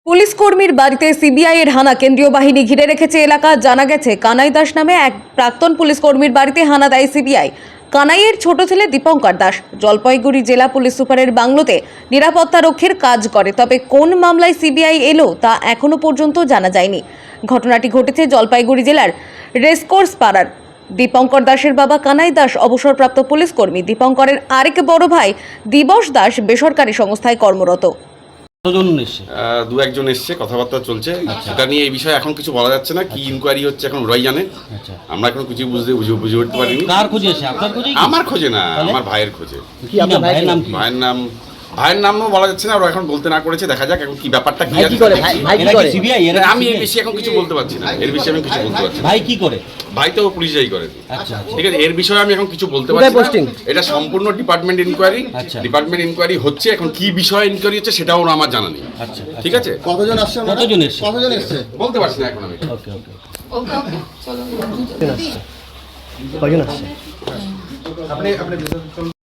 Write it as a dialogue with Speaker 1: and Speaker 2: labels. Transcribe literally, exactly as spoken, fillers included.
Speaker 1: Police কর্মীর বাড়িতে CBI এর হানা, কেন্দ্রীয় বাহিনী ঘিরে রেখেছে এলাকা। জানা গেছে কানাই দাস নামে এক প্রাক্তন পুলিশ কর্মীর বাড়িতে হানা দেয় সিবিআই। কানাইয়ের ছোট ছেলে দীপঙ্কর দাস জলপাইগুড়ি জেলা পুলিশ সুপারের বাংলোতে নিরাপত্তা রক্ষীর কাজ করে। তবে কোন মামলায় সিবিআই এলো তা এখনো পর্যন্ত জানা যায়নি। ঘটনাটি ঘটেছে জলপাইগুড়ি জেলার রেসকোর্স পাড়ার। দীপঙ্কর দাসের বাবা কানাই দাস অবসরপ্রাপ্ত পুলিশ কর্মী। দীপঙ্করের আরেক বড় ভাই দিবস দাস বেসরকারি সংস্থায় কর্মরত।
Speaker 2: আহ, দু একজন এসছে, কথাবার্তা চলছে। সেটা নিয়ে এই বিষয়ে এখন কিছু বলা যাচ্ছে না। কি ইনকোয়ারি হচ্ছে এখন ওরাই জানে। আমরা এখন কিছু বুঝতে বুঝে বুঝে উঠতে পারিনি।
Speaker 3: কার খোঁজে এসে? আপনার খোঁজে?
Speaker 2: আমার খোঁজে না, আমার ভাইয়ের খোঁজে।
Speaker 3: কি আপনার ভাইয়ের নাম কি?
Speaker 2: ভাইয়ের নাম ভাইয়ের নামও বলা যাচ্ছে না, ওরা এখন বলতে না করেছে। দেখা যাক এখন কি ব্যাপারটা কি আছে।
Speaker 3: এরা কি সিবিআই? এরা
Speaker 2: আমি এর বেশি এখন কিছু বলতে পারছি না। এর বিষয়ে আমি কিছু বলতে পারছি না।
Speaker 3: ভাই কি করে?
Speaker 2: ভাই তো পুলিশই করে।
Speaker 3: আচ্ছা
Speaker 2: ঠিক আছে, এর বিষয়ে আমি এখন কিছু বলতে পারছি না। এটা সম্পূর্ণ ডিপার্টমেন্ট ইনকোয়ারি।
Speaker 3: আচ্ছা।
Speaker 2: ডিপার্টমেন্ট ইনকোয়ারি হচ্ছে, এখন কি বিষয়ে ইনকোয়ারি হচ্ছে সেটাও আমার জানা নেই।
Speaker 3: আচ্ছা
Speaker 2: ঠিক আছে,
Speaker 4: কতজন আসছে?
Speaker 3: কতজন এসছে?
Speaker 4: কতজন এসছে
Speaker 2: বলতে পারছি না এখন আমি।
Speaker 3: ওকে ওকে
Speaker 4: কয়জন আসছে? আপনি আপনি